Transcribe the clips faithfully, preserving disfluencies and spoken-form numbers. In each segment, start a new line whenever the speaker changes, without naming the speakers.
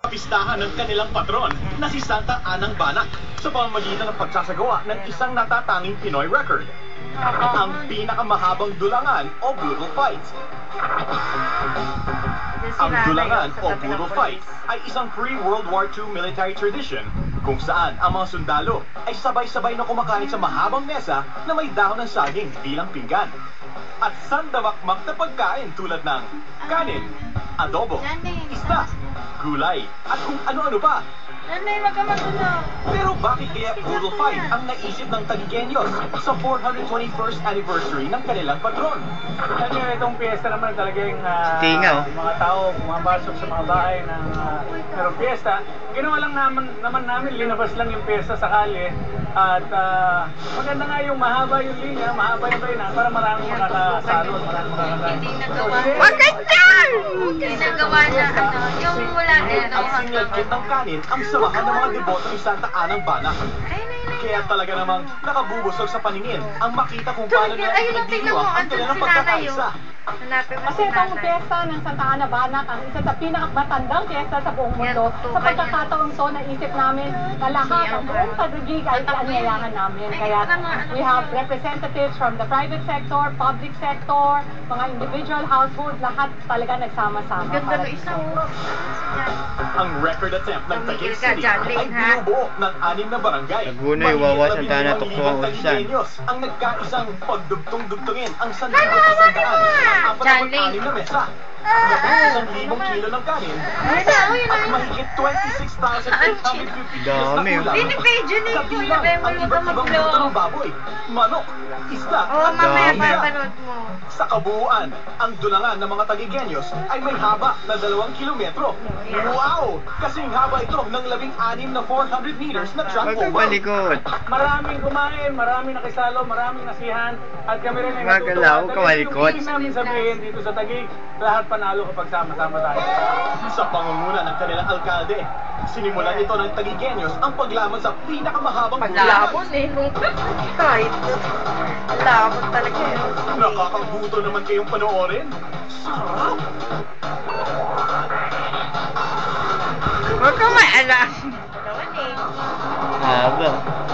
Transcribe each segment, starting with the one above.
Pistahan ng kanilang patron na si Santa Anang Banak sa pamamagitan ng pagsasagawa ng isang natatanging Pinoy record, ang pinakamahabang dulangan o brutal fight. Ang dulangan o brutal fight ay isang pre-World War Two military tradition kung saan ang mga sundalo ay sabay-sabay na kumakain sa mahabang mesa na may dahon ng saging bilang pinggan at sandamakmak na pagkain tulad ng kanin, adobo, isda, gulay, at kung ano-ano pa.
Nanay, wag ka magulo.
Pero bakit kaya brutal fight ang naisip ng Taguigueños sa four hundred twenty-first anniversary ng kanilang patron?
Kanya itong piyesta naman talagang uh,
Tingaw.
mga tao pumapasok sa mga bahay ng uh, merong piyesta. Ginawa lang naman, naman namin, linabas lang yung piyesta sa kalye. At uh, maganda nga yung mahaba yung linya, mahaba yung bayan para maraming makakasalo at maraming makakakain.
Hindi nagawa.
Maganda!
Hindi nagawa na ano, yung wala din.
At sinlagkit ng kanin ang samahan ng mga deboto ni Santa Anang Banak. Kaya talaga namang nakabubusog sa paningin ang makita kung paano na pinagdidiwang ang kanilang pagkakaisa.
Hanapin mo
Kasi itong piyesta ng Santa Ana Banak ang isa sa pinakamatandang piyesta sa buong mundo. Sa pagkakataon to, naisip namin na lahat ang buong Taguig ay ianyayahan namin. Kaya we have representatives from the private sector, public sector, mga individual households, lahat talaga nagsama-sama.
Ganda ng isang
Ang record attempt ng Taguig
Tumigil ka
City
dyan,
ay
Lane, ha?
binubuo ng anim na barangay.
Laguna, Iwawa, Santa Ana, Tukso, Ulsan.
Ang nagkaisang pagdugtong-dugtungin ang sandagan sa sandaan. Apat na anim na mesa. Isang libong kilo ng kanin at mahigit twenty-six thousand eight hundred fifty kilos na
Dami.
ulam.
Binibidyo ni Kuya
Kabilang
Beng,
ang
wala ka
iba't ibang
mag-vlog.
luto ng baboy, manok, isda
Oo,
at
mamaya
dami.
papanood mo.
sa kabuuan, ang dulangan ng mga Taguigueños ay may haba na dalawang kilometro. Wow! Kasing haba ito ng labing-anim na four hundred meters na track
Huwag kang
oval.
palikot.
Maraming kumain, maraming nakisalo, maraming nasihan, at kami rin ay
Magalaw,
natutuwa.
kawalikot.
Yung ibig namin sabihin dito sa Taguig, lahat panalo kapag sama-sama tayo.
Sa pangunguna ng kanilang alkalde, sinimulan ito ng Taguigueños ang paglaban sa pinakamahabang
Paglamon eh, nung kahit lamon talaga eh.
Nakakaguto naman kayong panoorin. Sarap!
Huwag kang maalam.
Naman eh.
Haba.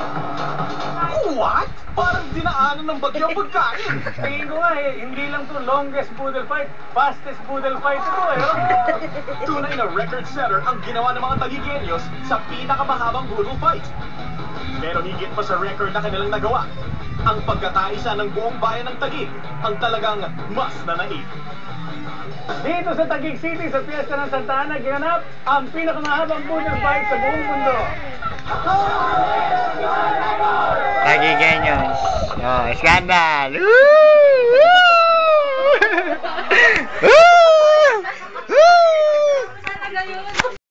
What? Parang dinaanan ng bagyo ang pagkain.
Tingin ko nga eh, hindi lang to longest boodle fight, fastest boodle fight ito eh. Oh.
Tunay na record setter ang ginawa ng mga Taguigueños sa pinakamahabang brutal fight. Pero higit pa sa record na kanilang nagawa, ang pagkataisa ng buong bayan ng Taguig ang talagang mas nanaig.
Dito sa Taguig City, sa Fiesta ng Santa Ana, ginanap ang pinakamahabang boodle fight sa buong mundo.
Taguigueños. Oh, skandal. Woo!